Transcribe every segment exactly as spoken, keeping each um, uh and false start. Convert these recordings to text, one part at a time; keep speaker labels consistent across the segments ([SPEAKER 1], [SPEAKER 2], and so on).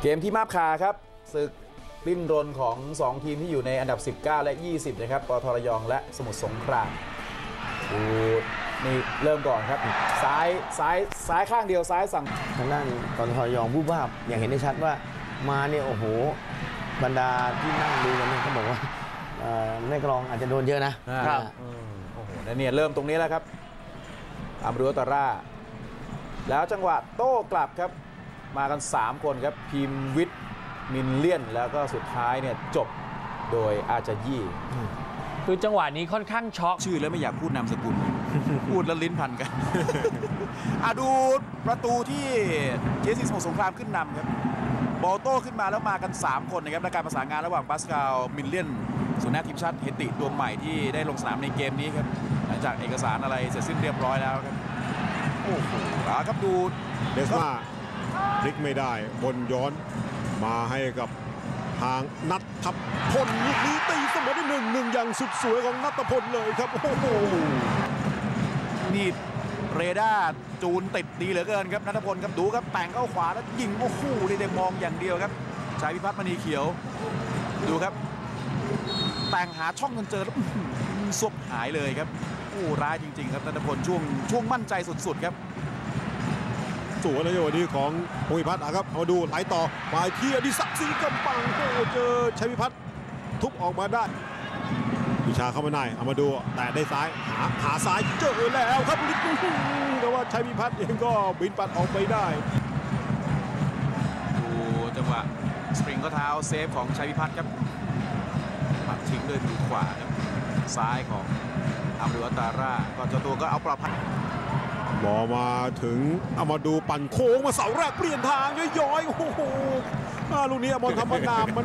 [SPEAKER 1] เกมที่มาบคาครับศึกดิ้นรนของสองทีมที่อยู่ในอันดับสิบเก้าและยี่สิบนะครับปตท.ระยองและสมุทรสงครามดูนี่เริ่มก่อนครับซ้ายซ้ายซ้ายข้างเดียวซ้ายสั่ง
[SPEAKER 2] ทางด้านปตท.ระยองผู้ภาพอย่างเห็นได้ชัดว่ามาเนี่ยโอ้โหบรรดาที่นั่งดูกันเนี่ยเขาบอกว่าในกรองอาจจะโดนเยอะนะครับ
[SPEAKER 1] โอ้โหนั่นเนี่ยเริ่มตรงนี้แล้วครับอัมรุตาร่าแล้วจังหวะโต้กลับครับมากันสามคนครับพิมวิทย์มินเลียนแล้วก็สุดท้ายเนี่ยจบโดยอาจายี่
[SPEAKER 3] คือจังหวะนี้ค่อนข้างช็อก
[SPEAKER 1] ชื่อแล้วไม่อยากพูดนามสกุล พูดแล้วลิ้นพันกัน อาดูประตูที่เจซีสมุทรสงครามขึ้นนำครับบอลโต้ขึ้นมาแล้วมากันสามคนนะครับในการประสานงานระหว่างปาสคาลมินเลียนสุนัขทีมชาติเฮติตัวใหม่ที่ได้ลงสนามในเกมนี้ครับหลังจากเอกสารอะไรเสร็จสิ้นเรียบร้อยแล้วครับโอ้โหครับดู
[SPEAKER 4] เดสมาพลิกไม่ได้บนย้อนมาให้กับทางนัทพลลูกนี้ตีเสมอได้หนึ่งหนึ่งอย่างสุดสวยของนัทพลเลยครับโอ้โห
[SPEAKER 1] นี่เรดาร์จูนติดดีเหลือเกินครับนัทพลครับดูครับแต่งเข้าขวาแล้วยิงโอ้โหได้มองอย่างเดียวครับชายพิพัฒน์มณีเขียวดูครับแต่งหาช่องจนเจอแล้วซบหายเลยครับโอ้ร้ายจริงๆครับนัทพลช่วงช่วงมั่นใจสุดๆครับ
[SPEAKER 4] สวยเลยวันนี้ของภูมิพัฒน์นะครับมาดูไหลต่อมาที่อดิศักดิ์ศรีกำปังโอ้เจอชัยพิพัฒน์ทุบออกมาได้วิชาเข้ามาในเอามาดูแต่ได้ซ้ายหาหาซ้ายเจอแล้วครับแต่ว่าชัยพิพัฒน์เองก็บินปัดออกไปได้
[SPEAKER 1] ดูจังหวะสปริงก็เท้าเซฟของชัยพิพัฒน์ครับปัดทิ้งด้วยมือขวาครับซ้ายของอัมรุตาร่าก็เจ้าตัวก็เอาปลอดภัย
[SPEAKER 4] บอมาถึงเอามาดูปั่นโค้งมาเสาแรกเปลี่ยนทางย้อยๆโอ้โหลูกนี้บอลธรรมดามัน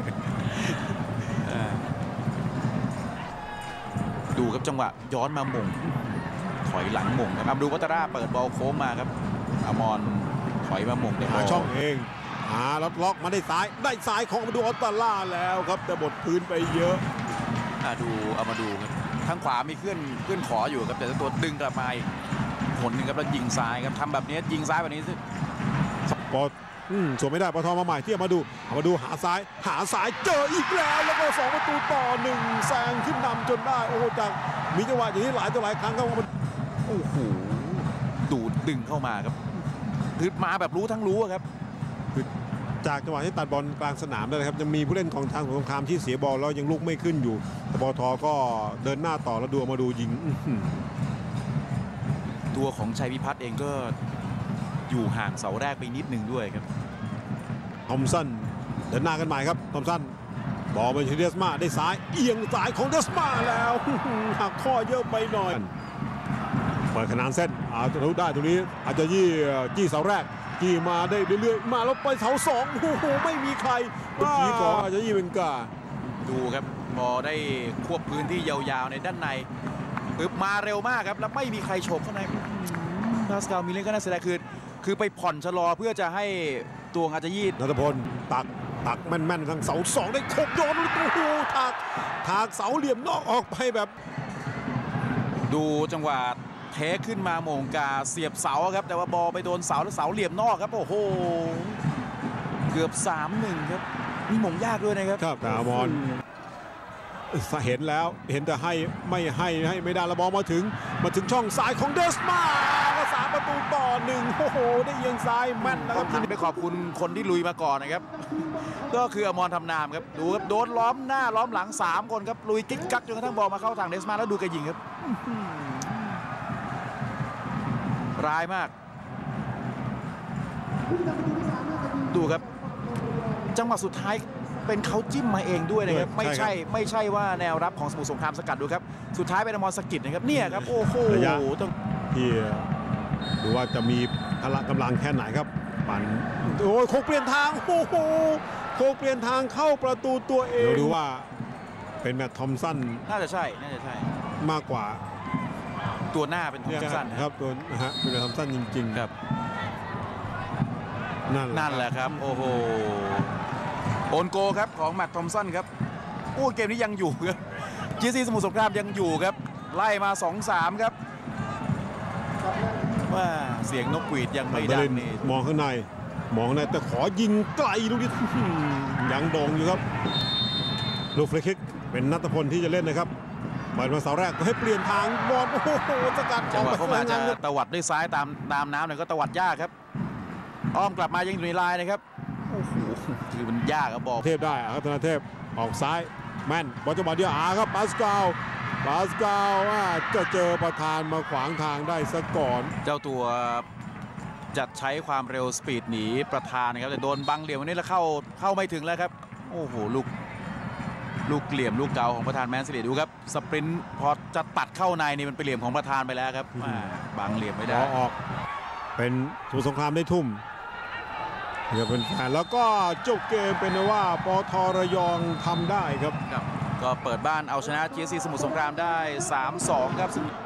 [SPEAKER 1] ดูครับจังหวะย้อนมาหม่งถอยหลังหม่งครับอัมรุวัตราเปิดบอลโค้งมาครับอมรถอยมาหม่งได้
[SPEAKER 4] หาช่องเองหาล็อกล็อกมาได้ซ้ายได้ซ้ายของอัมรุวัตราแล้วครับแต่บดพื้นไปเยอะ
[SPEAKER 1] ดูเอามาดูครับทางขวามีเคลื่อนเคลื่อนขออยู่ครับแต่ตัวดึงกลับมาผลหนึ่งครับแล้วยิงซ้ายครับทำแบบนี้ยิงซ้ายแบบนี้สิ
[SPEAKER 4] ปอสวนไม่ได้ปตท.มาใหม่ที่มาดูเอามาดูหาซ้ายหาซ้ายเจออีกแล้วแล้วก็สองประตูต่อหนึ่งแซงขึ้นนำจนได้โอ้จากมีจังหวะอย่างนี้หลายต่อหลายครั้งครับมัน
[SPEAKER 1] โอ้โหดูดดึงเข้ามาครับคือมาแบบรู้ทั้งรู้ครับ
[SPEAKER 4] คือจากจังหวะที่ตัดบอลกลางสนามได้ครับยังมีผู้เล่นของทางสงครามที่เสียบอลแล้วยังลุกไม่ขึ้นอยู่แต่ปตท.ก็เดินหน้าต่อแล้วดูมาดูยิง
[SPEAKER 1] ตัวของชัยพิพัฒน์เองก็อยู่ห่างเสาแรกไปนิดนึงด้วยครับ
[SPEAKER 4] ทอมสันเดินหน้ากันใหม่ครับทอมสันบอลไปที่เดสมาได้ซ้ายเอียงซ้ายของเดสมาแล้วหักข้อเยอะไปหน่อยเปิดขนานเส้นอาจจะรู้ได้ตรงนี้อาจจะยี่จี้เสาแรกจี้มาได้เรื่อยๆมาแล้วไปเสาสองโอ้โหไม่มีใครจี้ก่อนอาจจะยี่เป็นกา
[SPEAKER 1] ดูครับบอลได้ควบพื้นที่ยาวๆในด้านในปึ๊บมาเร็วมากครับแล้วไม่มีใครโฉบเข้าในพาสคาลมิลเลนก็น่าเสียดายคือคือไปผ่อนชะลอเพื่อจะให้ตัวอาจจะยีด
[SPEAKER 4] นัทพลตักตักแม่นๆทางเสาสองได้โคกโยนโอ้โหถากถากเสาเหลี่ยมนอกออกไปแบบ
[SPEAKER 1] ดูจังหวะเทขึ้นมาโมงกาเสียบเสาครับแต่ว่าบอลไปโดนเสาแล้วเสาเหลี่ยมนอกครับโอ้โหเกือบ สามหนึ่ง ครับนี่มงยากด้วยนะครับ
[SPEAKER 4] ครับอามรเห็นแล้วเห็นแต่ให้ไม่ให้ให้ไม่ได้ละบอลมาถึงมาถึงช่องซ้ายของเดสมาก็สามประตูต่อหนึ่งโอ้โหได้เอียงซ้ายแม่นแล้วครับ
[SPEAKER 1] ที่ไปขอบคุณคนที่ลุยมาก่อนนะครับก็คืออมรทำนามครับดูครับโดนล้อมหน้าล้อมหลังสามคนครับลุยกิ๊กกักจนกระทั่งบอลมาเข้าทางเดสมาแล้วดูแกยิงครับร้ายมากดูครับจังหวะสุดท้ายเป็นเขาจิ้มมาเองด้วยนะครับไม่ใช่ไม่ใช่ว่าแนวรับของสมุทรสงครามสกัดดูครับสุดท้ายเป็นอมรสกิดนะครับเนี่ยครับโอ้โห
[SPEAKER 4] ต้องที่ดูว่าจะมีพละกำลังแค่ไหนครับปั่นโอ้ยโคกเปลี่ยนทางโอ้โหโคกเปลี่ยนทางเข้าประตูตัวเองดูว่าเป็นแมตต์ทอมสัน
[SPEAKER 1] น่าจะใช่น่าจะใช่
[SPEAKER 4] มากกว่า
[SPEAKER 1] ตัวหน้าเป็นทอมสัน
[SPEAKER 4] ครับตัวนะฮะเป็นแมตต์ทอมสันจริงๆครับ
[SPEAKER 1] นั่นแหละครับโอ้โหโอนโกครับของแมตต์ทอมสันครับโอ้เกมนี้ยังอยู่ครับจีซีสมุทรสงครามยังอยู่ครับไล่มา สองสาม ครับว่าเสียงนกหวีดยังไม่ดังนี่
[SPEAKER 4] มองข้างในมองนะแต่ขอยิงไกลลูกนี้ยังโด่งอยู่ครับลูกฟรีคิกเป็นณัฐพลที่จะเล่นนะครับเปิดมาเสาแรกก็ให้เปลี่ยนทางบอลโอ้โหสกัด
[SPEAKER 1] จังหวะ
[SPEAKER 4] อ
[SPEAKER 1] เข้า
[SPEAKER 4] อก
[SPEAKER 1] มา
[SPEAKER 4] ไป
[SPEAKER 1] จะ
[SPEAKER 4] งาน
[SPEAKER 1] ตวัดด้วยซ้ายตามตามน้ำเนี่ยก็ตวัดยากครับอ้อมกลับมายังอยู่ในลายนะครับโอ้โหคือมันยากครับบอล
[SPEAKER 4] เทพได้ครับธนาเทพออกซ้ายแม่นบอลจังหวะเดียวอาครับปาสกาลปาสกาลว่าจะเจอประธานมาขวางทางได้ซะก่อน
[SPEAKER 1] เจ้าตัวจะใช้ความเร็วสปีดหนีประธานนะครับแต่โดนบังเหลี่ยมวันนี้แล้วเข้าเข้าไม่ถึงแล้วครับโอ้โหลูกลูกเหลี่ยมลูกเก่าของประธานแมนซิตี้ดูครับสปรินต์พอจะตัดเข้าในนี่มันไปเหลี่ยมของประธานไปแล้วครับอ่าบังเหลี่ยมไม่
[SPEAKER 4] บ
[SPEAKER 1] ได้
[SPEAKER 4] อลออกเป็นสมุทรสงครามได้ทุ่มเดี๋ยวเป็นแฟนแล้วก็จบเกมเป็นว่าปทระยองทำได้ครับ
[SPEAKER 1] ครับก็เปิดบ้านเอาชนะ จี เอส ซี สมุทรสงครามได้ สามสอง ครับ